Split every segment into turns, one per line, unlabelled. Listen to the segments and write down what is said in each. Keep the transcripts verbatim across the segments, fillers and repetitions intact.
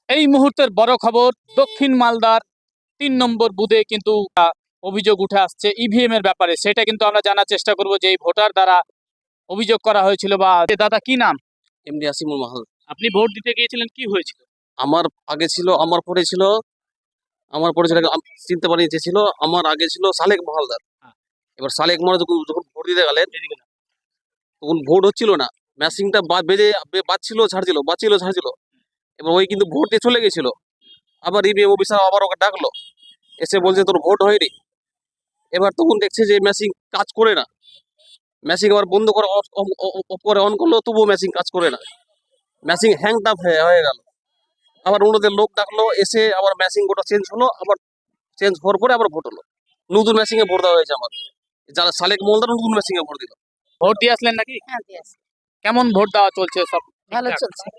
এই মুহূর্তের বড় খবর, দক্ষিণ মালদার তিন নম্বর বুথে কিন্তু আহ, অভিযোগ উঠে আসছে ইভিএম এর ব্যাপারে। সেটা কিন্তু আমরা জানার চেষ্টা করব যে এই ভোটার দ্বারা অভিযোগ করা হয়েছিল বা এ দাদা কি নাম?
এমডি আসিমুল মাহাল।
আপনি ভোট দিতে গিয়েছিলেন, কি হয়েছিল?
আমার আগে ছিল, আমার পরে ছিল, আমার পরে ছিল, আম- চিনতে পারি যে ছিল, আমার আগে ছিল সালেক মহালদার।
হ্যাঁ।
এবার সালেক মহালদার যখন যখন ভোট দিতে গেলেন
এদিকে না।
তখন ভোট হচ্ছিল না, ম্যাচিংটা বেজে বে- বাজছিল ছাড়ছিল, বাজছিল ছাড়ছিল। এবার ওই কিন্তু ভোট দিয়ে চলে গেছিল। আবার ইভিএম অফিসার আবার ওকে ডাকলো, এসে বলছে তোর ভোট হয়নি। এবার তখন দেখছে যে মেশিন কাজ করে না, মেশিন আবার বন্ধ করে অফ অফ করে অন করলো, তবুও মেশিন কাজ করে না, মেশিন হ্যাংড আপ হয়ে গেল। আবার অন্যদের লোক ডাকলো, এসে আবার মেশিন গোটা চেঞ্জ হলো, আবার চেঞ্জ হওয়ার পরে আবার ভোট হলো। নতুন মেশিনে ভোট দেওয়া হয়েছে আমার, যারা সালেক মহলদার নতুন মেশিনে ভোট দিল।
ভোট দিয়ে আসলেন নাকি?
হ্যাঁ, দিয়ে আসি।
কেমন ভোট দেওয়া চলছে? সব
ভালো
ঠিকঠাক?
চলছে।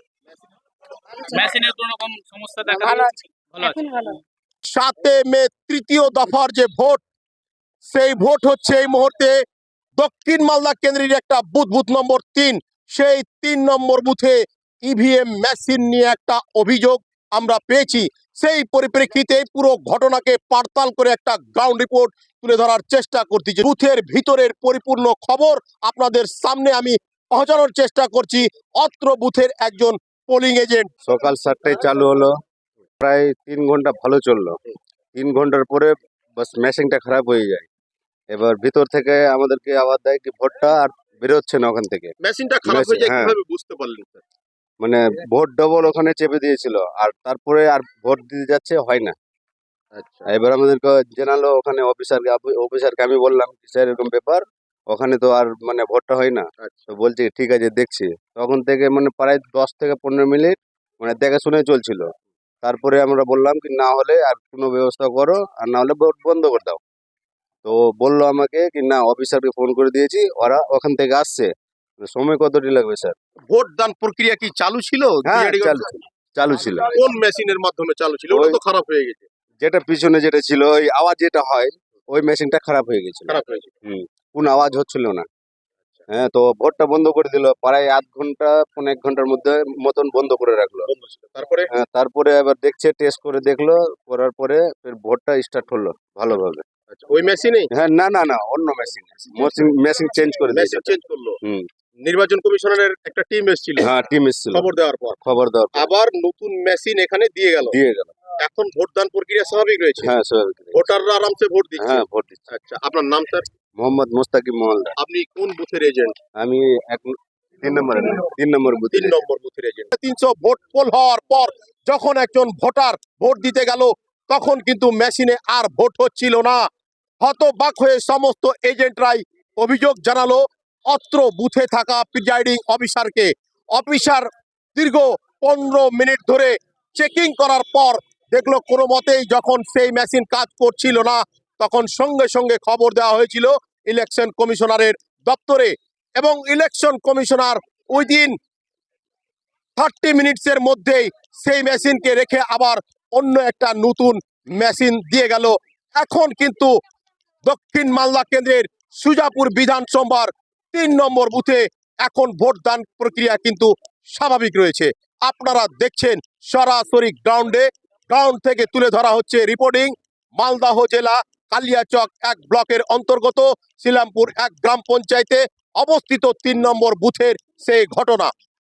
মেশিনের কোনো রকম সমস্যা দেখা
ভালো
দিয়েছে?
আছে।
ভালো আছে।
এখন ভালো।
সাতে মে তৃতীয় দফার যে ভোট, সেই ভোট হচ্ছে এই মুহূর্তে দক্ষিণ মালদা কেন্দ্রের একটা বুথ, বুথ নম্বর তিন। সেই তিন নম্বর বুথে ইভিএম মেশিন নিয়ে একটা অভিযোগ আমরা পেয়েছি। সেই পরিপ্রেক্ষিতে পুরো ঘটনাকে পাড়তাল করে একটা গ্রাউন্ড রিপোর্ট তুলে ধরার চেষ্টা করতেছি। বুথের ভিতরের পরিপূর্ণ খবর আপনাদের সামনে আমি পৌঁছানোর চেষ্টা করছি। অত্র বুথের একজন পোলিং এজেন্ট।
সকাল সাতটায় চালু হলো, প্রায় তিন ঘন্টা ভালো চললো। তিন ঘন্টার পরে বাস মেশিনটা খারাপ হয়ে যায়। এবার ভিতর থেকে আমাদেরকে আওয়াজ দেয় কি ভোটটা আর বেরোচ্ছে না ওখান থেকে।
মেশিনটা খারাপ হয়ে যায়
হ্যাঁ।
কিভাবে বুঝতে পারলেন স্যার?
মানে ভোট ডবল ওখানে চেপে দিয়েছিল, আর তারপরে আর ভোট দিতে যাচ্ছে হয় না।
আচ্ছা,
এবার আমাদেরকে জানালো ওখানে অফিসারকে, অফিসারকে আমি বললাম কি স্যার এরকম ব্যাপার, ওখানে তো আর মানে ভোটটা হয় না। তো বলছে ঠিক আছে দেখছি। তখন থেকে মানে প্রায় দশ থেকে পনেরো মিনিট মানে দেখে শুনে চলছিল। তারপরে আমরা বললাম কি না হলে আর কোনো ব্যবস্থা করো, আর না হলে ভোট বন্ধ করে দাও। তো বললো আমাকে কি না অফিসারকে ফোন করে দিয়েছি, ওরা ওখান থেকে আসছে। সময় কতটি লাগবে স্যার?
ভোট দান প্রক্রিয়া কি চালু ছিল?
হ্যাঁ
বিআরডি
চালু ছিল, চালু ছিল।
কোন মেশিনের মাধ্যমে চালু ছিল? ওটা
ওই-
তো খারাপ হয়ে গেছে।
যেটা পিছনে যেটা ছিল ওই আওয়াজ যেটা হয়, ওই মেশিনটা খারাপ হয়ে গেছিল।
খারাপ হয়েছে।
হুম, কোনো আওয়াজ হচ্ছিল না। হ্যাঁ, তো ভোটটা বন্ধ করে দিল, প্রায় আধ ঘন্টা পনেরো এক ঘন্টার মধ্যে মতন বন্ধ করে রাখলো।
বন্ধ ছিল। তারপরে
হ্যাঁ, তারপরে আবার দেখছে, টেস্ট করে দেখলো, করার পরে ফের ভোটটা স্টার্ট হলো ভালোভাবে।
আচ্ছা, ওই মেশিনেই
হ্যাঁ, না না না অন্য মেশিন, মেশিন মেশিন চেঞ্জ করে দিয়েছে।
মেশিন চেঞ্জ করলো।
হুম,
নির্বাচন কমিশনারের একটা টিম এসেছিল
হ্যাঁ টিম এসেছিল
খবর দেওয়ার পর।
খবর দেওয়ার পর।
আবার নতুন মেশিন এখানে দিয়ে গেল।
দিয়ে গেল।
এখন ভোটদান প্রক্রিয়া স্বাভাবিক রয়েছে।
হ্যাঁ স্বাভাবিক।
ভোটাররা আরামসে ভোট দিচ্ছে।
হ্যাঁ ভোট দিচ্ছে।
আচ্ছা, আপনার নাম স্যার?
মোহাম্মদ মোস্তাকিম মহলদার।
আপনি কোন বুথের এজেন্ট?
আমি এক তিন নম্বর তিন নম্বর বুথে।
তিন নম্বর বুথের এজেন্ট। তিনশো ভোট পোল হওয়ার পর যখন একজন ভোটার ভোট দিতে গেল, তখন কিন্তু মেশিনে আর ভোট হচ্ছিল না। হতবাক হয়ে সমস্ত এজেন্টরাই অভিযোগ জানালো অত্র বুথে থাকা প্রিজাইডিং অফিসারকে। অফিসার দীর্ঘ পনেরো মিনিট ধরে চেকিং করার পর দেখলো কোনো মতেই যখন সেই মেশিন কাজ করছিল না, তখন সঙ্গে সঙ্গে খবর দেওয়া হয়েছিল ইলেকশন কমিশনারের দপ্তরে, এবং ইলেকশন কমিশনার উইদিন থার্টি মিনিটসের মধ্যেই সেই মেশিনকে রেখে আবার অন্য একটা নতুন মেশিন দিয়ে গেল। এখন কিন্তু দক্ষিণ মালদা কেন্দ্রের সুজাপুর বিধানসভার তিন নম্বর বুথে এখন ভোটদান প্রক্রিয়া কিন্তু স্বাভাবিক রয়েছে। আপনারা দেখছেন সরাসরি গ্রাউন্ডে, গ্রাউন্ড থেকে তুলে ধরা হচ্ছে রিপোর্টিং। মালদাহ জেলা কালিয়াচক এক ব্লকের অন্তর্গত শিলামপুর এক গ্রাম পঞ্চায়েতে অবস্থিত তিন নম্বর বুথের সেই ঘটনা।